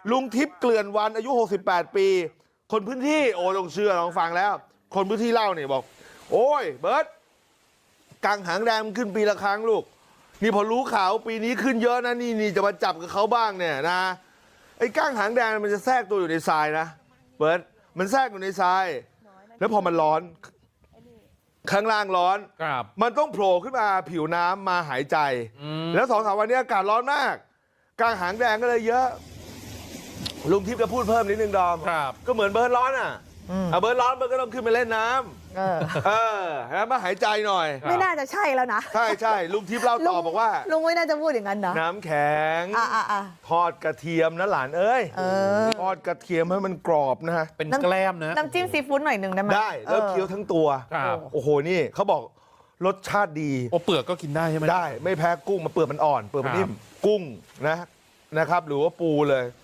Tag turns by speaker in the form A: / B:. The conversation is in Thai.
A: ลุงทิพย์เกลื่อนวันอายุ68ปีคนพื้นที่โอ้ลงเชื่อลองฟังแล้วคนพื้นที่เล่าเนี่ยบอกโอ้ยเบิร์ตกังหางแดงมันขึ้นปีละครั้งลูกนี่พอรู้ข่าวปีนี้ขึ้นเยอะนะนี่จะมาจับกับเขาบ้างเนี่ยนะไอ้ก้างหางแดงมันจะแทรกตัวอยู่ในทรายนะเบิร์ตมันแทรกอยู่ในทรายแล้วพอมันร้อนข้างล่างร้อนมันต้องโผล่ขึ้นมาผิวน้ำมาหายใจแล้ว2-3 วันนี้อากาศร้อนมากก้างหางแดงก็เลยเยอะลุงทิพย์จะพูดเพิ่มนิดนึงดอมก็เหมือนเบิร์ตร้อนอ่ะเบิร์ตร้อนเบิร์ตก็ต้องขึ้นไปเล่นน้ำแล้วมาหายใจหน่อย
B: ไม่น่าจะใช่แล้วนะ
A: ใช่ลุงทิพย์เล่าต่อบอกว่า
B: ลุงไม่น่าจะพูดอย่างนั้นนะ
A: น้ำแข็งทอดกระเทียมนะหลานเอ้ยทอดกระเทียมให้มันกรอบนะฮะ
C: เป็นแกล้มนะ
B: น้ำจิ้มซีฟู้ดหน่อยหนึ่งได้ไหม
A: ได้แล้วเคี้ยวทั้งตัวโอ้โหนี่เขาบอกรสชาติดี
C: โอ้เปลือกก็กินได้ใช่ไหม
A: ได้ไม่แพ้กุ้งมาเปลือกมันอ่อนเปลือกมันนิ่มกุ้งนะครับหรือว่าปูเลย